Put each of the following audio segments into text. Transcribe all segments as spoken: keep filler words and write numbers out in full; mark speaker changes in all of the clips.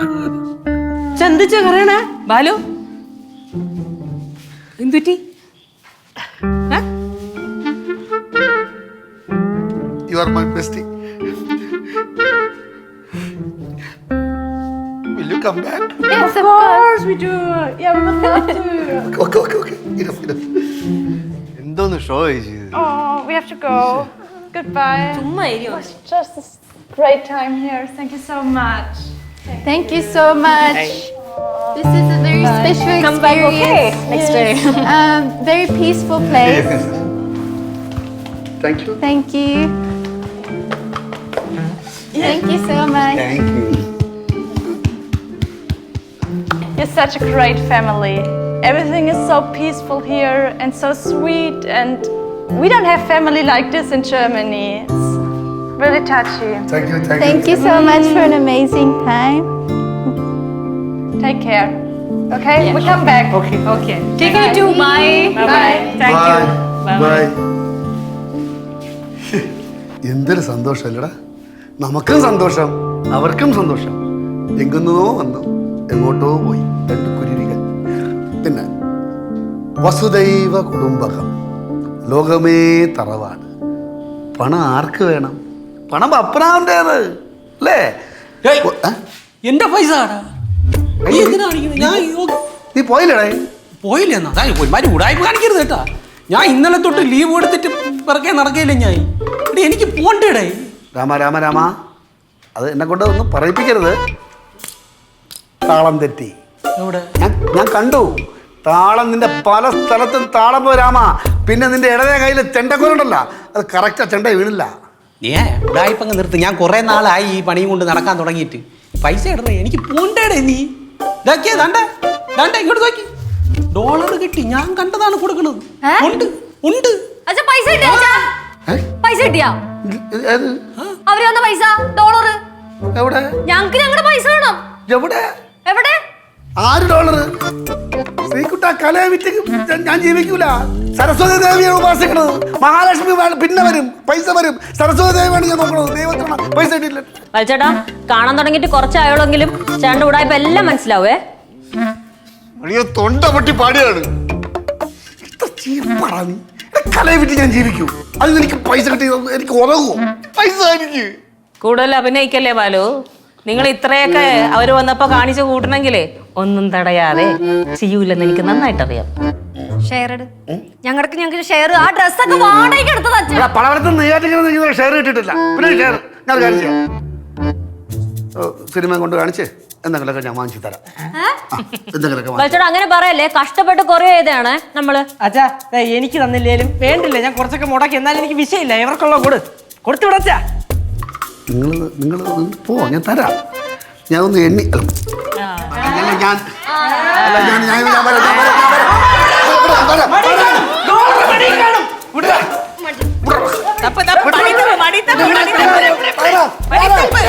Speaker 1: ചന്തിച്ച കറയണ ബാലു എന്തുറ്റി?
Speaker 2: You are my bestie. Will you come back?
Speaker 3: Yes, of course we do. Yeah, we would love to.
Speaker 2: Okay, okay, okay. Enough, enough. എന്തോന്ന് show ചെയ്ത്?
Speaker 3: Oh, we have to go. Goodbye.
Speaker 1: ചുമ്മാ ഇരിയോ?
Speaker 3: Just a great time here. Thank you so much.
Speaker 4: Thank you so much. This is a very special
Speaker 3: Come back, okay?
Speaker 4: experience.
Speaker 3: Next day.
Speaker 4: Um, very peaceful place.
Speaker 2: Thank you.
Speaker 4: Thank you. Thank you so much.
Speaker 2: Thank you.
Speaker 3: You're such a great family. Everything is so peaceful here and so sweet, and we don't have family like this in Germany. It's really touchy.
Speaker 2: Thank you, thank you.
Speaker 4: Thank you so much for an amazing time.
Speaker 3: Take care. Okay?
Speaker 1: Yeah.
Speaker 3: We come back.
Speaker 2: Okay.
Speaker 1: Okay. Take care too. Bye.
Speaker 3: Bye.
Speaker 1: Thank
Speaker 2: Bye.
Speaker 1: you.
Speaker 2: Bye. എന്തൊരു സന്തോഷമല്ലടാ, നമുക്കും സന്തോഷം അവർക്കും സന്തോഷം. എങ്ങുന്നോ വന്നു എങ്ങോട്ടോ പോയി രണ്ട് കുരുവികൾ. പിന്നെ വസുദൈവ കുടുംബകം, ലോകമേ തറവാണ്. പണം ആർക്ക് വേണം? പണം അപ്പനാവണ്ടേത് അല്ലേ?
Speaker 5: എന്റെ പൈസ
Speaker 2: നീ പോയില്ലടേ?
Speaker 5: പോയില്ല എന്നാ പോയി മാറ്റി ഉടായ്പ കാണിക്കരുത് കേട്ടാ. ഞാൻ ഇന്നലെ തൊട്ട് ലീവ് എടുത്തിട്ട് പിറകെ നടക്കയില്ല ഞാൻ. ഇവിടെ എനിക്ക് പോണ്ടേടേ.
Speaker 2: രാമ രാമ രാമ, അത് എന്നെ കൊണ്ട് ഒന്നും പറയിപ്പിക്കരുത്. താളം തെറ്റി.
Speaker 5: എവിടെ?
Speaker 2: ഞാൻ ഞാൻ കണ്ടു താളം നിന്റെ പല സ്ഥലത്തും താളം പോ രാമ. പിന്നെ നിന്റെ ഇടതേ കയ്യിൽ ചെണ്ടക്കോലുണ്ടല്ല, അത് കറക്റ്റാ ചെണ്ട വീണില്ല.
Speaker 5: ഏ ഉടായ്പങ്ങ് നിർത്ത്. ഞാൻ കുറെ നാളായി ഈ പണിയും കൊണ്ട് നടക്കാൻ തുടങ്ങിയിട്ട്. പൈസ ഇടണേ, എനിക്ക് പോണ്ടേടേ. നീ ഇതാക്കിയേ ദാണ്ടേ ദാണ്ടേ ഇങ്ങോട്ട് നോക്കി. ഡോളർ കിട്ടി, ഞാൻ കണ്ടതാണ് കൊടുക്കണത്. ഉണ്ട് ഉണ്ട്.
Speaker 6: അച്ഛാ പൈസ കിട്ടിയാ?
Speaker 2: ഏ?
Speaker 6: പൈസ കിട്ടിയാ?
Speaker 2: ഇത് ഏത്?
Speaker 6: അവര് വന്ന പൈസ ഡോളർ.
Speaker 2: എവിടെ
Speaker 6: ഞങ്ങക്ക് ഞങ്ങളുടെ പൈസ വേണം.
Speaker 2: എവിടെ?
Speaker 6: എവിടെ?
Speaker 2: ആറ് ഡോളർ? ശ്രീകുട്ട കലയെ വിറ്റ് ഞാൻ ജീവിക്കൂല. സരസ്വതി ദേവിയാണ് ഉപാസിക്കണത്. മഹാലക്ഷ്മി പിന്നെ വരും, പൈസ വരും. സരസ്വതി ദേവിയാണ് ഞാൻ നോക്കണത്. ദൈവത്തിന് പൈസ കിട്ടില്ല.
Speaker 6: വലിച്ചേട്ടാ കാണാൻ തുടങ്ങിയിട്ട് കുറച്ചായോളെങ്കിലും ചേട്ടൻ്റെ ഉടായ്പ എല്ലാം മനസ്സിലാവേ.
Speaker 2: അയ്യോ തൊണ്ട പൊട്ടി പാടിയാണ്. കലയെ വിറ്റ് ഞാൻ ജീവിക്കൂ. അതിന് എനിക്ക് പൈസ കിട്ടി എനിക്ക് ഉറങ്ങുമോ? പൈസ എനിക്ക്
Speaker 1: കൂടുതൽ അഭിനയിക്കല്ലേ ബാലു. നിങ്ങൾ ഇത്രയൊക്കെ അവര് വന്നപ്പോ കാണിച്ചു കൂട്ടണമെങ്കിലേ ഒന്നും തടയാതെ ചെയ്യൂലെന്ന് എനിക്ക് നന്നായിട്ട് അറിയാം.
Speaker 6: ഷെയർ ഇട്. ഞങ്ങൾക്ക് ഞങ്ങൾക്ക് ഷെയർ. ആ ഡ്രസ്സൊക്കെ വാടകയ്ക്ക് എടുത്തത് അച്ഛൻ.
Speaker 2: പലയിടത്തും നെയ്യാറ്റിങ്ങനെ ഷെയർ കിട്ടിയിട്ടില്ല. പിന്നെ ഷെയർ ഞാൻ കാണിച്ചു തരാം. സിനിമ കൊണ്ട് കാണിച്ച് എന്തെങ്കിലുമൊക്കെ ഞാൻ വാങ്ങിച്ചു തരാം. എന്തെങ്കിലുമൊക്കെ
Speaker 6: വലിച്ചേട്ടാ അങ്ങനെ പറയല്ലേ. കഷ്ടപ്പെട്ട് കുറേ ചെയ്താണ് നമ്മള്.
Speaker 1: അച്ഛാ എനിക്ക് തന്നില്ലേലും വേണ്ടില്ല, ഞാൻ കുറച്ചൊക്കെ മുടക്കി. എന്നാലും എനിക്ക് വിഷയമില്ല. ഇവർക്കുള്ള കൊടു കൊടുത്തു വിടച്ചാ.
Speaker 2: നിങ്ങൾ നിങ്ങൾ പോ, ഞാൻ തരാം. ഞാൻ ഒന്ന് എണ്ണി അല്ല ഞാൻ അല്ല ഞാൻ ഞാൻ ഞാൻ വരാം, ഞാൻ വരാം, ഞാൻ വരാം. വരാം, വരാം.
Speaker 1: തപ്പ് തപ്പ് മടിത്തപ്പ് മടിത്തപ്പ് മടിത്തപ്പ് മടിത്തപ്പ്.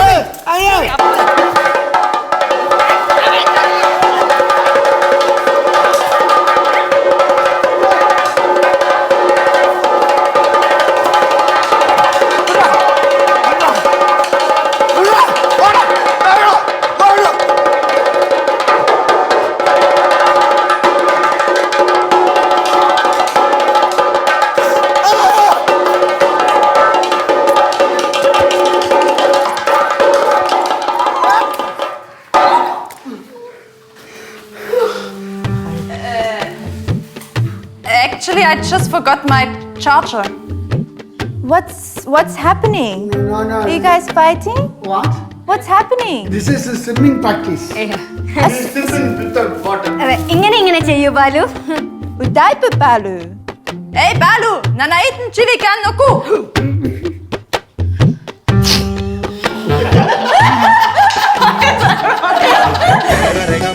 Speaker 3: Actually, I just forgot my charger.
Speaker 4: What's what's happening?
Speaker 2: No, no.
Speaker 4: Are you guys fighting?
Speaker 2: What?
Speaker 4: What's happening?
Speaker 2: This is a swimming practice. Swimming without water.
Speaker 6: ഇങ്ങനെ ഇങ്ങനെ ചെയ്യൂ Balu.
Speaker 4: Udaipa Balu.
Speaker 3: Hey, Balu! Nanaitan chili kan noku!
Speaker 2: Rega, rega.